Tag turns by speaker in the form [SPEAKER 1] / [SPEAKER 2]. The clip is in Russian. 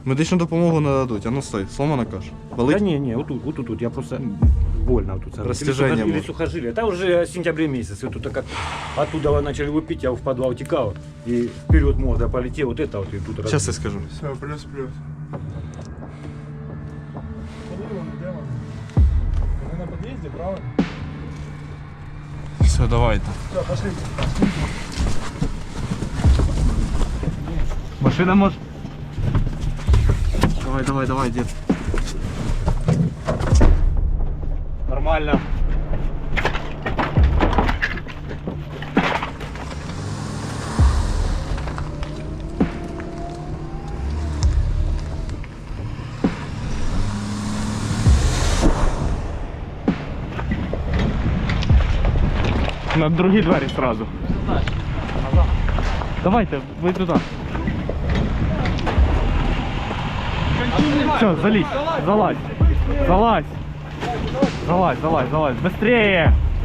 [SPEAKER 1] Медичну допомогу не дадуть. А ну стой, сломана каша. Болить?
[SPEAKER 2] Да не, вот тут, я просто больно вот тут.
[SPEAKER 1] Растяжение
[SPEAKER 2] Или
[SPEAKER 1] может.
[SPEAKER 2] сухожилие. Это уже в сентябре месяце. Вот тут как оттуда начали выпить, я в подвал текал. И вперед морда полетел, вот это вот и тут.
[SPEAKER 1] Сейчас я скажу.
[SPEAKER 3] Все, плюс-плюс. Мы на подъезде, правильно?
[SPEAKER 1] Все, давайте.
[SPEAKER 3] Все, пошли.
[SPEAKER 1] Машина может. Давай, дед. Нормально. На другие двери сразу. Давайте, вы туда. Все, залезь, залазь. Быстрее!